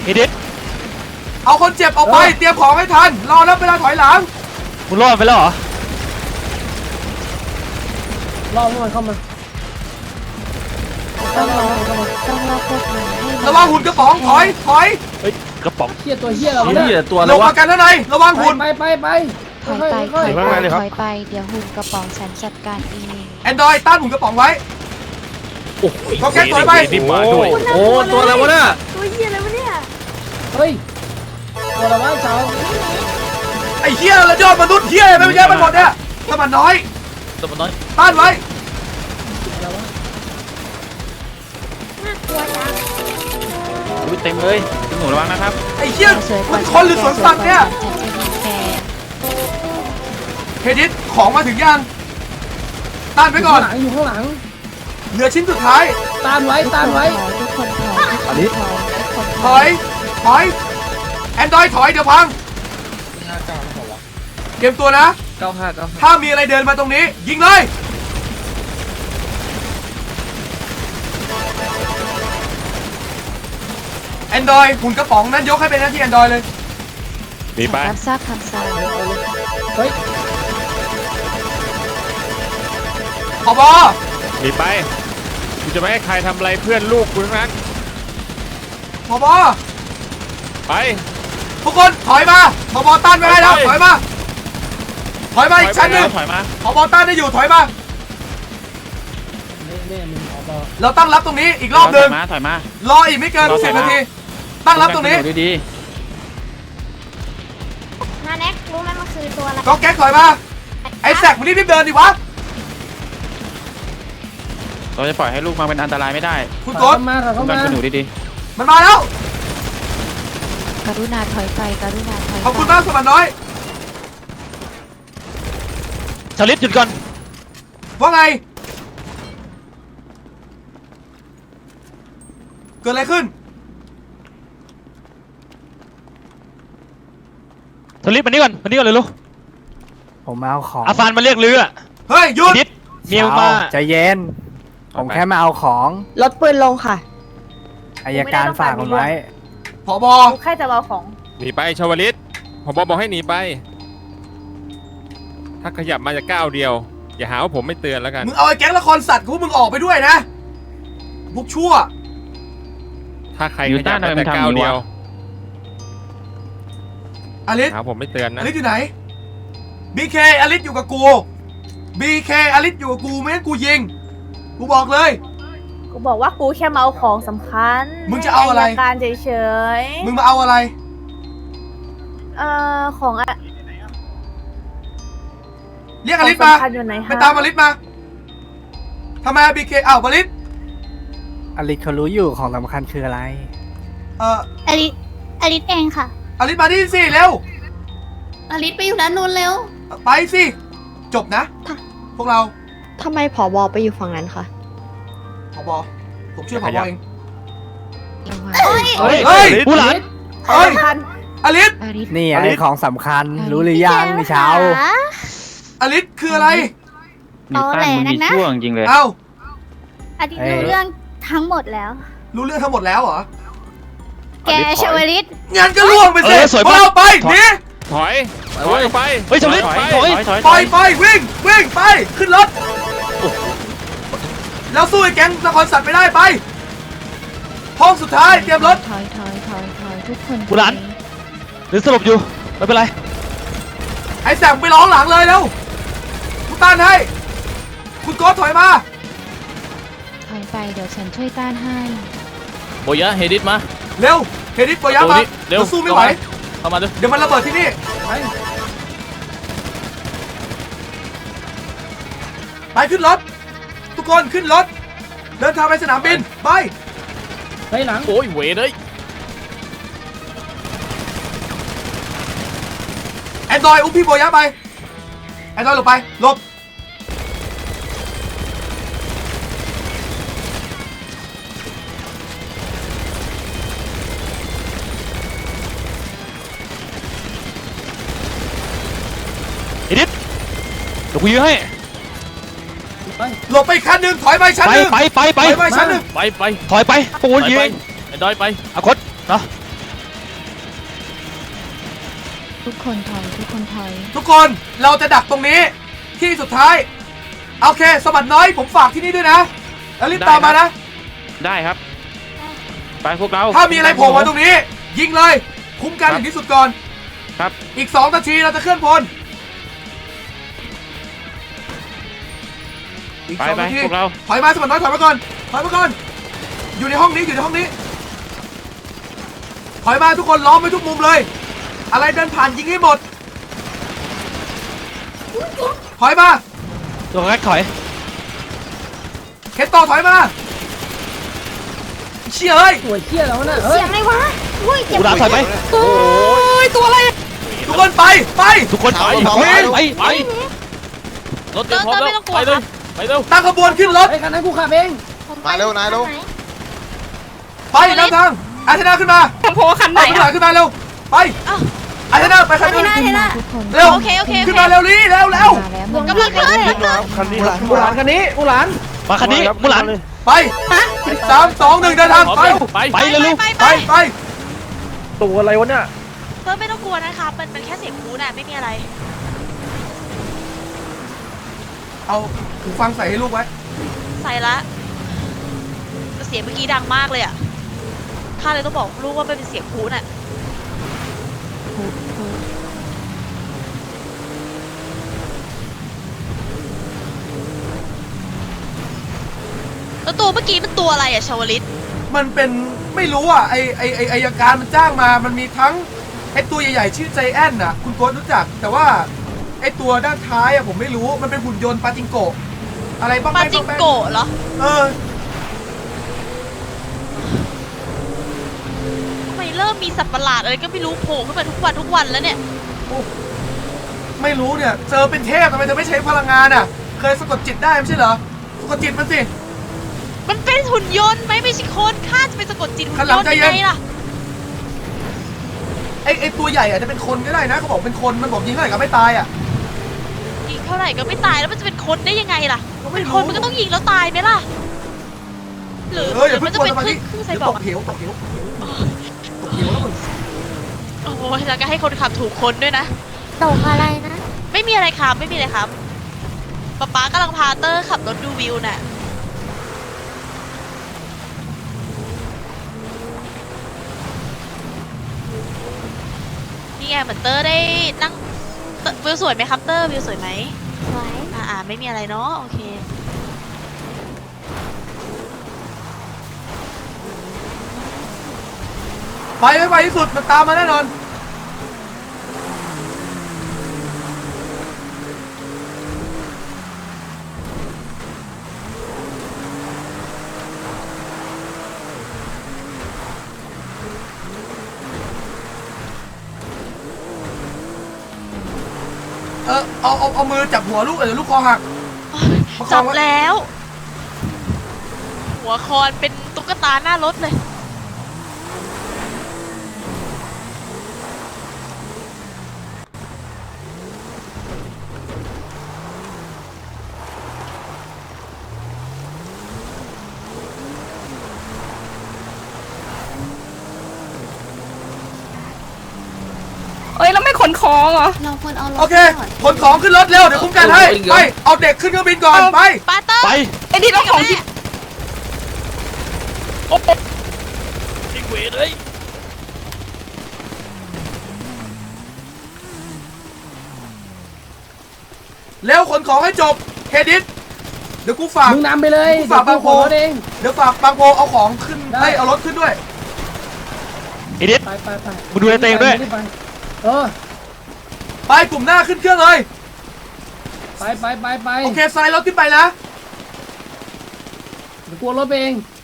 เฮดิสเอาคนเจ็บออกไปเตรียมของให้ทันรอแล้วเวลาถอยหลังคุณรอดไปแล้วเหรอรอมันเข้ามาต้องรอพวกมันให้ระวังหุ่นกระป๋องถอยเฮ้ยกระป๋องเฮียตัวเฮียเราเนี่ยลงมากันข้างในระวังหุ่นไปถอยไปเดี๋ยวหุ่นกระป๋องฉันจัดการเองแอนดรอยต้านหุ่นกระป๋องไว้โอ้โหก็แก๊สถอยไปนี่มาด้วยโอ้ตัวอะไรวะเนี่ยตัวเหี้ยอะไรวะเนี่ยเฮ้ยตัวอะไรวะเจ้าไอ้เหี้ยระยอดมนุษย์เหี้ยอะไรไม่เยอะไปหมดเนี่ยถ้ามันน้อยต้านไว้เต็มเลยคุณหนูระวังนะครับไอ้เหี้ยมันคนหรือสวนสัตว์เนี่ยเฮดิสของมาถึงยังต้านไว้ก่อนอยู่ข้างหลังเหลือชิ้นสุดท้ายต้านไว้ทุกคนถอยแอนดรอยถอยเดี๋ยวพังเตรียมตัวนะถ้ามีอะไรเดินมาตรงนี้ยิงเลยแอนดรอยหุ่นกระป๋องนั้นยกให้เป็นหน้าที่แอนดรอยเลยมีไปรับทราบคำสั่งเฮ้ยผบ. มีไปกูจะไม่ให้ใครทำอะไรเพื่อนลูกกูทั้งนั้นผบ. ไปทุกคนถอยมาผบ.ต้านไม่ได้แล้วถอยมาอีกชั้นหนึ่งผบ.ต้านได้อยู่ถอยมาเราตั้งรับตรงนี้อีกรอบหนึ่งถอยมารออีกไม่เกิน10 นาทีตั้งรับตรงนี้ดีนาแน็กรู้ไหมมันคือตัวอะไรก็แก๊กถอยมาไอ้แซกมึงรีบเดินดิวะเราจะปล่อยให้ลูกมาเป็นอันตรายไม่ได้คุณโกดต้องการคุณหนูดีมันมาแล้วกรุณาถอยไปขอบคุณมากสมัครน้อยชลิดหยุดก่อนว่าไงเกิดอะไรขึ้นชลิดมานี่ก่อนเลยลูกผมมาเอาของอาฟานมาเรียกเรือเฮ้ยหยุดเมียมาใจเย็นผมแค่มาเอาของลดปืนลงค่ะอัยการฝากผมไว้ผบ. แค่จะเอาของหนีไปชวลิตผบ.บอกให้หนีไปถ้าขยับมาจะก้าวเดียวอย่าหาว่าผมไม่เตือนแล้วกันมึงเอาไอ้แก๊งละครสัตว์กูมึงออกไปด้วยนะพวกชั่วถ้าใครขยับมาแต่ก้าวเดียวอลิสผมไม่เตือนนะอลิสอยู่ไหนบีเคอลิสอยู่กับกูBKอลิสอยู่กับกูไม่งั้นกูยิงกูบอกเลยกูบอกว่ากูแค่มาเอาของสำคัญมึงจะเอาอะไรการเฉยมึงมาเอาอะไรของอะเรียกอลิสมาไปตามอลิสมาทำไมBKอ้าวอลิสเขารู้อยู่ของสำคัญคืออะไรอลิสเองค่ะอลิสมาที่สิเร็วอลิสไปอยู่ด้านนู้นเร็วไปสิจบนะพวกเราทำไมผบ.ไปอยู่ฝั่งนั้นคะผบ.ผมช่วยผบ.เองเฮ้ยผู้หลานอลิสนี่อะไรของสำคัญรู้หรือยังนี่เช้าอลิสคืออะไรมีตั้งมึงมีช่วงจริงเลยเอ้าอลิสรู้เรื่องทั้งหมดแล้วรู้เรื่องทั้งหมดแล้วเหรอแกชวลิตงั้นก็ล่วงไปสิพวกเราไปหนีถอยไปเฮ้ยชลิดไปวิ่งไปขึ้นรถแล้วสู้ไอ้แก๊งนครสัตว์ไม่ได้ไปห้องสุดท้ายเตรียมรถถอยทุกคนผู้หลานหรือสลบอยู่ไม่เป็นไรไอ้แสงไปร้องหลังเลยแล้วกูต้านให้คุณโก้ถอยมาถอยไปเดี๋ยวฉันช่วยต้านให้โบยะเฮดิสมาเร็วเฮดิสโบยะมาเราสู้ไม่ไหวเข้ามาดูเดี๋ยวมันระเบิดที่นี่ไปขึ้นรถทุกคนขึ้นรถเดินทางไปสนามบินไปหลังโอ้ยเวเลยแอนดรอยอุ้มพี่โบยะไปแอนดรอยหลบไปหลบเดี๋ยวกูยื้อให้หลบไปขั้นหนึ่งถอยไปชั้นหนึ่งไปชั้นหนึ่งไปถอยไปปูนยิงไอ้ดอยไปอาคตเนาะทุกคนถอยทุกคนถอยทุกคนเราจะดักตรงนี้ที่สุดท้ายโอเคสมัครน้อยผมฝากที่นี่ด้วยนะแล้วรีบตามมานะได้ครับ ไปพวกเราถ้ามีอะไรโผล่มาตรงนี้ ยิงเลย คุ้มกันถึงที่สุดก่อนครับอีก2 นาทีเราจะเคลื่อนพลอีกไป 2 นาทีพวกเราถอยมาสมัครน้อยถอยมาก่อนถอยมาก่อนอยู่ในห้องนี้อยู่ในห้องนี้ถอยมาทุกคนล้อมไว้ทุกมุมเลย อะไรเดินผ่านยิงให้หมดถอยมาตัวแรกถอยเคนโตถอยมาเชี่ยเอ้ยหัวเชี่ยแล้วน่ะเฮ้เสียยงอะไรวะอุ้ยเจ็บกูด่าถอยไปโอ้ยตัวอะไรทุกคนไปไปทุกคนไปไปรถเตรียมพร้อมแล้วไปเลยไปเร็วตั้งขบวนขึ้นรถไอ้คันนั้นกูขับเองมาเร็วนายเร็วไปนำทางอาเทนาขึ้นมาโพคันไหนเอาขึ้นมาเร็วไปอาเทนาไปคันเทอื่นน่าเทน่าทุกคนเร็วโอเคโอเคขึ้นมาเร็วนี้เร็วมาแล้วกำลังขึ้นคันนี้มูหลานคันนี้มูหลานมาคันนี้มุหลันไป3 2 1เดินทางไปไปเร็วไปตัวอะไรวะเนี่ยเพิ่มไม่ต้องกลัวนะคะมันแค่เสียงคูน่ะไม่มีอะไรเอาหูฟังใส่ให้ลูกไว้ใส่ละเสียงเมื่อกี้ดังมากเลยอ่ะข้าเลยต้องบอกลูกว่ามันเป็นเสียงคูน่ะแล้วตัวเมื่อกี้มันตัวอะไรอ่ะชาวลิตมันเป็นไม่รู้อ่ะไออายการมันจ้างมามันมีทั้งไอตัวใหญ่ๆชื่อใจแอนน่ะคุณโค้ชรู้จักแต่ว่าไอตัวด้านท้ายอ่ะผมไม่รู้มันเป็นหุ่นยนต์ปาจิงโกะอะไรบ้างปาจิงโกะเหรอเออทำไมเริ่มมีสัตว์ประหลาดอะไรก็ไม่รู้โผล่ขึ้นมาทุกวันแล้วเนี่ยไม่รู้เนี่ยเจอเป็นเทพทำไมจะไม่ใช้พลังงานอ่ะเคยสะกดจิตได้ไม่ใช่เหรอสะกดจิตมันสิมันเป็นหุ่นยนต์ไหมไม่ใช่คนข้าจะไปสะกดจิตหุ่นข้างหลัยงนต์ใจยังเย็นไงล่ะไอตัวใหญ่อาจจะเป็นคนก็ได้นะเขาบอกเป็นคนมันบอกยิงเท่าไหร่ก็ไม่ตายอ่ะยิงเท่าไหร่ก็ไม่ตายแล้วมันจะเป็นคนได้ยังไงล่ะก็ไม่เป็นรู้คนมันก็ต้องยิงแล้วตายไหมล่ะหรืออย่ามัเพิ่งจะกลัวเป็นสมาธิครึ่งไซเดี๋ยวบอตร์กกเหวตกเหวแล้วมึงโอ้ยแล้วก็ให้คนขับถูกคนด้วยนะตกอะไรนะไม่มีอะไรครับไม่มีอะไรครับป๊ากำลังพาเตอร์ขับรถดูวิวน่ะนี่ไงเหมือนเตอร์ได้นั่งวิวสวยไหมครับเตอร์วิวสวยไหมสวยไม่มีอะไรเนาะโอเคไปไม่ไปที่สุดมันตามมาแน่นอนเอามือจับหัวลูกเดี๋ยวลูกคอหัก ประคจัองบไว้แล้ว หัวคอนเป็นตุ๊กตาหน้ารถเลยเอ้ยแล้วไม่ขนของเหรอเราควรเอารถโอเคก่อนขนของขึ้นรถเร็วเดี๋ยวคุ้มกันให้ไปเอาเด็กขึ้นเครื่องบินก่อนไปปาเตอร์ไปไอ้ที่เราของที่ยิงเวเลยเร็วขนของให้จบเครดิตเดี๋ยวกูฝากมึงนำไปเลยกูฝากบางโพเดี๋ยวกูขนรถเองเดี๋ยวฝากบางโพเอาของขึ้นได้ให้เอารถขึ้นด้วยไอเด็ดไปมึงดูแลตัวเองด้วยไปเออไปกลุ่มหน้าขึ้นเครื่องเลยไปโอเคสไลด์รถขึ้นไปนะเดี๋ยวกลัวรถไปเอง